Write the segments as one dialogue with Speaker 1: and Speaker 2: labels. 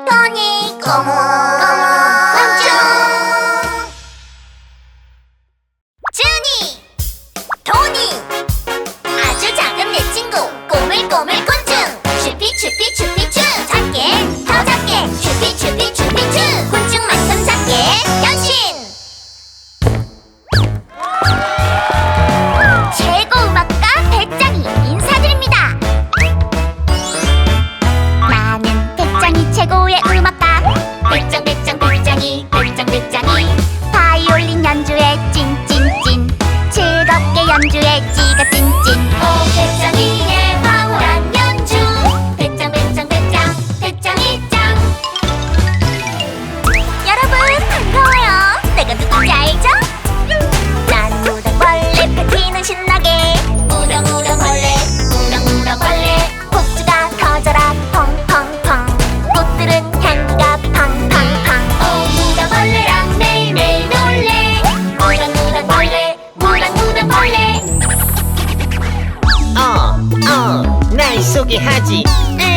Speaker 1: 토니 고무 공주 주니 토니 아주 작은 내 친구 꼬물꼬물 곤충 슈피슈피슈피추 작게 더 작게 슈피슈피슈피추 곤충만큼 작게 변신 최고 음악가 배짱이 인사드립니다. 나는 배짱이 최고의 음악가 배짱배짱배짱이 배짱배짱이 바이올린 연주에 찐찐찐 즐겁게 연주해 찌가 찐찐 오 배짱이의 황홀한 연주 배짱배짱배짱 배짱이 짱 여러분 반가워요. 내가 누군지 알죠? 난 무당벌레 파티는 신나게 무당무당벌레 무당무당벌레 폭주가 터져라 펑펑펑 꽃들은 향기가 팡팡팡 오 무당벌레랑 매일매일 놀래 무당무당벌레 무당무당벌레
Speaker 2: 날 소개하지.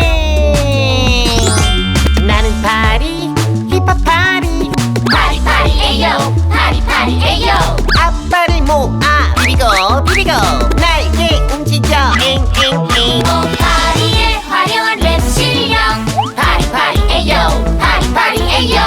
Speaker 2: 나는 파리, 힙합 파리.
Speaker 1: 파리파리에요 파리파리에요
Speaker 2: 앞발을 모아 비비고 비비고 날개 움직여 앵앵앵.
Speaker 1: 오 파리의 화려한 랩 실력 파리파리에요 파리파리에요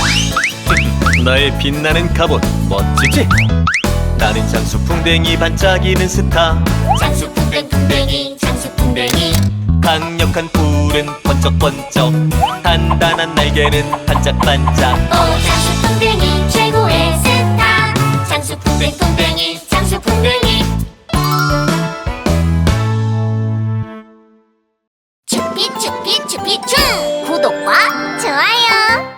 Speaker 3: 나의 빛나는 갑옷 멋지지? 나는 장수풍뎅이 반짝이는 스타
Speaker 1: 장수풍뎅풍뎅이 장수풍뎅이
Speaker 3: 강력한 불은 번쩍번쩍 단단한 날개는 반짝반짝
Speaker 1: 오 장수풍뎅이 최고의 스타 장수풍뎅풍뎅이 장수풍뎅이 추피추피추피추 구독과 좋아요